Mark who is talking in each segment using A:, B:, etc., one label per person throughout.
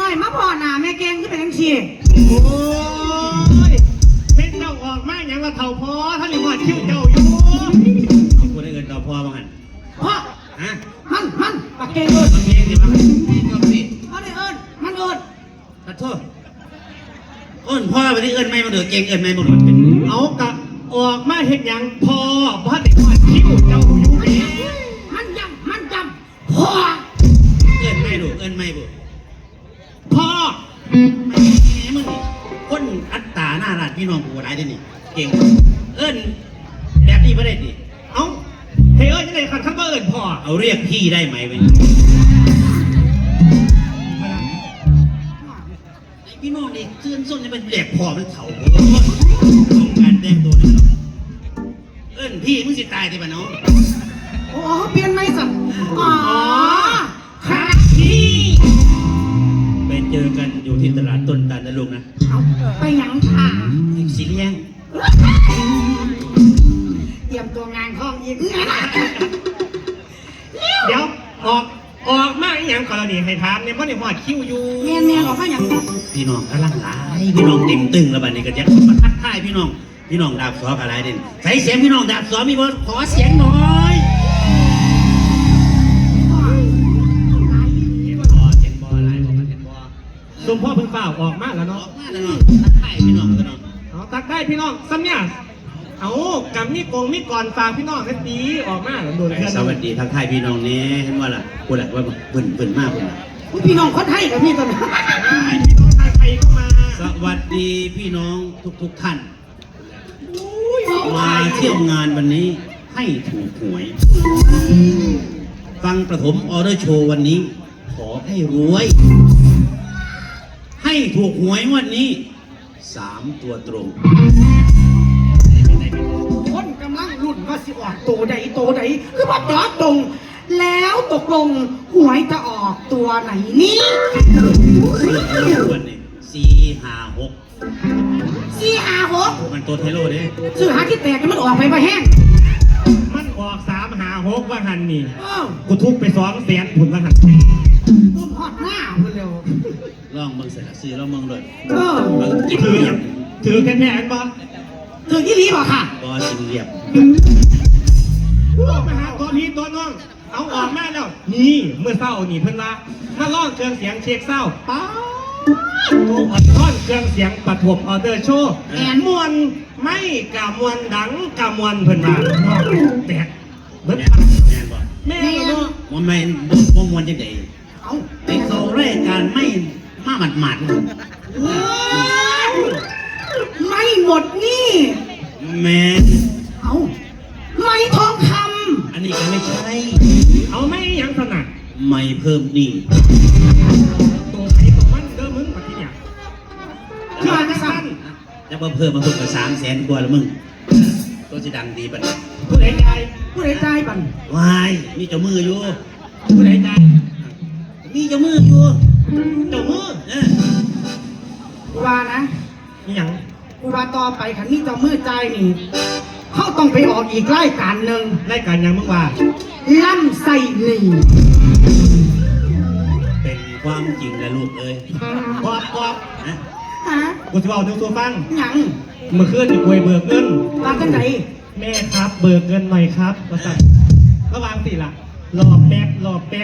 A: อยมาพอหน้าแม่เก่งก็เป็นจังซี่
B: โอ้ยเป็นเจ้าออกมาอย่างละเท่าพอท่านหรือว่าคิ้วเจ้าอยู่
C: เอาคนได้เงินเราพ่อบ้างหัน
A: พ่อ
C: ฮะ
A: มันปากเก่งเอิญ
C: มันเองสิมันก็สิ
A: เขาได้เอิญมันเอิญ
C: ขอโทษเอิญพ่อไปที่เอิญไม่มาเดือดเก่งเอิญไม่มาเดือดเป็น
B: เอากะออกมาเห็นอย่างพอบ้านเด็กว่าคิ้วเจ้าอยู่เอง
A: มันจำพ่อ
C: เอิญไม่ดูเอิญไม่ดู
B: พ่อ
C: ไม่มึงคนอัตตาหน้ารัดพี่น้องกูร้ายได้นี่เก่งเอิญแบบนี้ไม่ได้ดิ
B: เอาเฮ้ยยังไงขันข้าเอิญพ่อ
C: เอาเรียกพี่ได้ไหมเว้ยพี่น้องเด็กเสื้อส้นจะเป็นแหลกพอมันเถาต้องการแดงตัวนี้เอิญพี่มึงสิตายที่บ้านน้อง
A: โอ้เปลี่ยนไม่สั่นอ๋อครับ
C: พี่ไปเจอกันอยู่ที่ตลาดต้นตาลนะลูกนะ
A: ไปยังค่ะ
C: สีเลี้ยง
A: เตรียมตัวงานห้องอีก
B: เดี๋ยวออกมาอย่างกรณีให้ถามเนี่ยเพราะในหอดคิ้วอยู่
A: เมียออกมาอย่าง
C: พี่น้องกำลังหลายพี่น้องเต็มตึงแล้วบัดนี้ก็จะมาทักทายพี่น้องดาบสออะไรเด่นใส่เสียงพี่น้องดาบสอมีบอขอเสียงหน่อย
B: สมพ่อเพิ่งเปล่าออกมาแล้วเนาะ
C: ทักทายพี่น้องกันเนาะ
B: ทักทายพี่น้องซ้ำเนี่ยเอากำมีกงมีก่อนฝากพี่น้องสักทีออกมาโดน
C: สวัสดีทักทายพี่น้องนี้เห็นว่าล่ะพูดแหละว่าเบิ่นมากเลย
A: พี่น้องคนไทยกับพี่ตอนนี้
B: พี่น้องไทยเข้ามา
C: สวัสดีพี่น้องทุกท่านมาเที่ยวงานวันนี้ให้ถูกหวยฟังประถมออเดอร์โชว์วันนี้ขอให้รวยให้ถูกหวยวันนี้3 ตัวตรง
A: คนกำลังรุ่นว่าสิออกโตใดคือว่าตอบตรงแล้วตกลงหวยจะออกตัวไหนนี่
C: วันนี้456มันตัวเทโร่เนี่ย
A: ซื้อหาที่แตกมันออกไปแห้ง
B: มันออก356ว่าหันนี่กูทุบไป200,000ผุนว่าหัน
A: ต้มฮอดหน้าเร็ว
C: ลองมึงเสร็จแล้วซื้อแล้วมึงเลย
B: ถือแค่อันบอส
A: ถือที่รีบอกค่ะ
C: บอสเรียบ
B: มาหาตัวพี่ตัวน้องเอาออกมาแล้วนี่เมื่อเศร้านี่เพิ่นว่ามาล่องเครื่องเสียงเช็คเศร้าป้าอัดท่อนเครื่องเสียงปฐมออเดอร์โชว์แอนมวนไม่กะมวนดังกะมวนเพิ่นว่าแตกเบิด
C: แม่เนาะมันไม่บ่มวนจังได๋เอาไปเข้ารายการไม่มาหมาด
A: ไม่หมดนี่
C: แม่
A: เอาไม่ทองค
C: ำอันนี้ก็ไม่ใช่
B: เอาไม่ยังถนัด
C: ไม่เพิ่มนี่
B: ตัวใครตัวมันเด้อมึงมาที่เนี่ย
A: คืออะไรสั้น
C: จะมาเพิ่มมาเพิ่มกับ300,000 กว่าแล้วมึงตัวจะดังดีปัน
B: ผู้ใด
A: ใจปัน
C: วายมีเจ้ามืออยู่
B: ผู้ใดใจ
C: มีเจ้ามืออยู่
B: เจ้ามือ
A: กูว่านะ
B: ยัง
A: กูว่าต่อไปขันนี้เจ้ามือใจนี่เขาต้องไปออกอีกรายการหนึ่ง
B: รายการยังมึงว่า
A: ล่ำไส้ลี
C: เป็นความจริงนะลูกเอ้ย
B: กอบ
A: ฮะ
B: กูจะเอาดูตัวฟัง
A: ยัง
B: เมื่อคืนอยู่กวยเบิกเงิน
A: ว่าจังไหน
B: แม่ครับเบิกเงินหน่อยครับว่าสั่งระวังสิล่ะรอแป๊บ
A: แล้วหล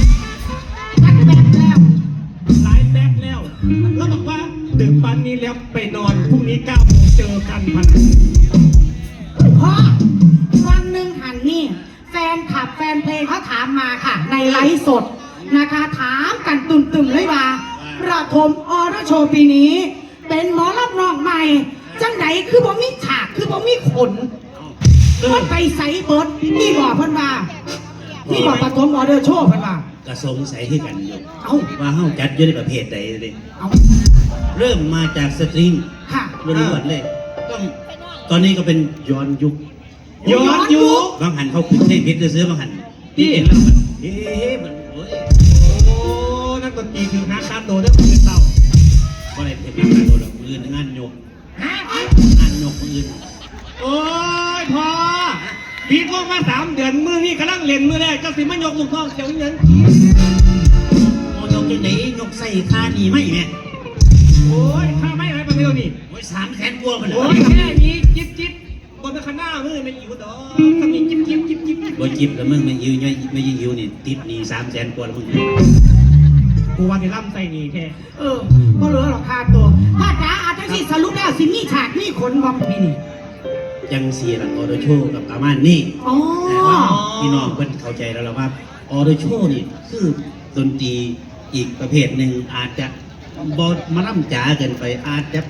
B: ายแป๊บแล้วแล้วบอกว่าดึกปันนี้แล้วไปนอนพรุ่งนี้9 โมงเจอกันพัน
A: พ่อวันหนึ่งหันนี่แฟนเพลงเขาถามมาค่ะในไลฟ์สดนะคะถามกันตุ่มเลยว่าประถมออเดอร์โชว์ปีนี้เป็นหมอรับน้องใหม่จังไหนคือบ่มีฉากคือบ่มีขนมันไปใส่เบิร์ดนี่บอกเพิ่นว่านี่บอกประถมออเดอร์โชว์เพิ่นว่าก
C: ระสงสัยที่กันอยู่ว่าเฮาจัดอยู่ในประเภทใดเลยเริ่มมาจากสตริงล้วนๆเลยก็ตอนนี้ก็เป็นย้อนยุคบางหันเขาขึ้นเต้นพิษซื้อบางหันที่เห็นแล้วมันมันโ
B: อ้นักดนตรีคือฮาร์ดคาร์โดเรื่องมือเต่า
C: ก็เลยเป็นงานโดดมืองานโยกมือ
B: โอ้ยพอปีกว่ามา3 เดือนมือนี่กำลังเล่นมือแรกก็สิมันยกลูกท้องเขียวเงิน
C: โยกจังไหนยกใส่ค่านี่ไม่แม่
B: โอ้ยข้าไม่อะไรประเดี๋ยวนี้
C: โอ้ย300,000 กว่าไปเลย
B: โอ้ยแค่นี้จิ๊บจิ๊บบนข้างหน้ามือมันอยู่ดอกถ้ามีจิ๊บจิ๊บจิ๊บจิ๊บ
C: บ่จิบแล้วมึงไม่ยืนไม่ยืนอยู่นี่ติดหนี่300,000 กว่าแล้วมึง
B: กูว่าจะล่ำใส่นี่แท้
A: ก็เหลือหรอกค่าตัวพ่อจ๋าอาจจะสิสรุปแล้วสิมีฉากมีขนบอมพี่นี่
C: จังสีหลังออโดโชกับอาม่านนี่
A: อ๋อ
C: พี่น้องเพิ่นเข้าใจแล้วล่ะว่าออโดโชนี่คือดนตรีอีกประเภทหนึ่งอาจจะบอมาล่ำจ๋าเกินไปอาจจะ